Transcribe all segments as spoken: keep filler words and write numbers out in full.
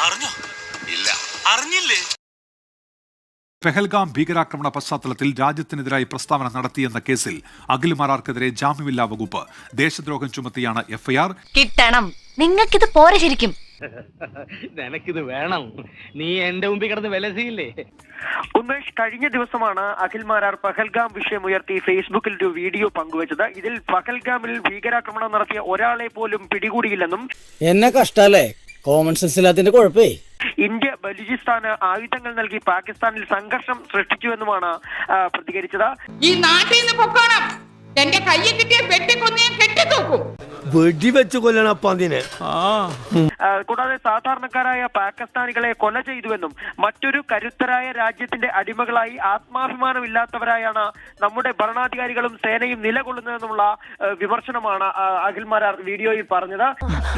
അറിഞ്ഞോ? ഇല്ല, അറിഞ്ഞില്ലേ? പെഹൽഗാം ഭീകരാക്രമണ പശ്ചാത്തലത്തിൽ രാജ്യത്തിനെതിരായി പ്രസ്താവന നടത്തിയെന്ന കേസിൽ അഖിൽ മാരാർക്കെതിരെ ജാമ്യമില്ലാ വകുപ്പ് ദേശദ്രോഹം ചുമത്തിയാണ് എഫ്ഐആർ. കിട്ടണം, നിങ്ങൾക്കിത് പോരെ ശരിക്കും. നിനക്കിത് വേണം. നീ എന്റെ മുമ്പിൽ കിടന്ന് വിലസിയില്ലേ? ഉമേഷ്, കഴിഞ്ഞ ദിവസമാണ് അഖിൽ മാരാർ പഹൽഗാം വിഷയം ഉയർത്തി ഫേസ്ബുക്കിൽ ഒരു വീഡിയോ പങ്കുവച്ചത്. ഇതിൽ പഹൽഗാമിൽ ഭീകരാക്രമണം നടത്തിയ ഒരാളെ പോലും പിടികൂടിയില്ലെന്നും എന്നെ കഷ്ടല്ലേ കോമൺ സെൻസ് ഇല്ലാത്തതിന്റെ കുഴപ്പേ ഇന്ത്യ ബലൂചിസ്ഥാന് ആയുധങ്ങൾ നൽകി പാകിസ്ഥാനിൽ സംഘർഷം സൃഷ്ടിച്ചുവെന്നുമാണ് പ്രതികരിച്ചത്. ഈ നാട്ടിൽ നിന്ന് പൊക്കണം, എന്റെ കയ്യിൽ കിട്ടിയ വെട്ടിക്കൊന്നേ കെട്ടിത്തൂക്കും. വെടിവെച്ച് കൊല്ലണപ്പ അതിനെ. കൂടാതെ സാധാരണക്കാരായ പാകിസ്ഥാനികളെ കൊല ചെയ്തുവെന്നും മറ്റൊരു കരുത്തരായ രാജ്യത്തിന്റെ അടിമകളായി ആത്മാഭിമാനമില്ലാത്തവരായാണ് നമ്മുടെ ഭരണാധികാരികളും സേനയും നിലകൊള്ളുന്നതെന്നുള്ള വിമർശനമാണ് അഖിൽ മാരാർ വീഡിയോയിൽ പറഞ്ഞത്.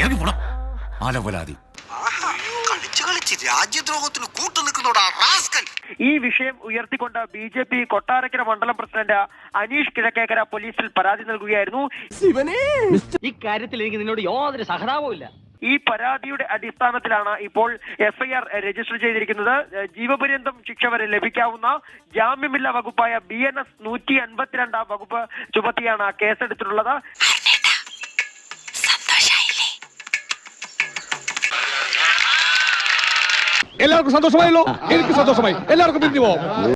രാജ്യദ്രോഹത്തിന് കൂട്ടുനിൽക്കുന്നോടാ റാസ്കൽ. ഈ വിഷയം ഉയർത്തിക്കൊണ്ട് ബി ജെ പി കൊട്ടാരക്കര മണ്ഡലം പ്രസിഡന്റ് അനീഷ് കിഴക്കേക്കര പോലീസിൽ പരാതി നൽകുകയായിരുന്നു. ഈ കാര്യത്തിൽ എനിക്ക് നിന്നോട് യാതൊരു സഹതാപവും ഇല്ല. ഈ പരാതിയുടെ അടിസ്ഥാനത്തിലാണ് ഇപ്പോൾ എഫ്ഐആർ രജിസ്റ്റർ ചെയ്തിരിക്കുന്നത്. ജീവപര്യന്തം ശിക്ഷ വരെ ലഭിക്കാവുന്ന ജാമ്യമില്ലാ വകുപ്പായ ബി എൻ എസ് നൂറ്റി അൻപത്തിരണ്ടാം വകുപ്പ് ചുമത്തിയാണ് കേസെടുത്തിട്ടുള്ളത്. എല്ലാവർക്കും സന്തോഷമായല്ലോ? എനിക്ക് സന്തോഷമായി. എല്ലാവർക്കും പിരിഞ്ഞു പോവാം.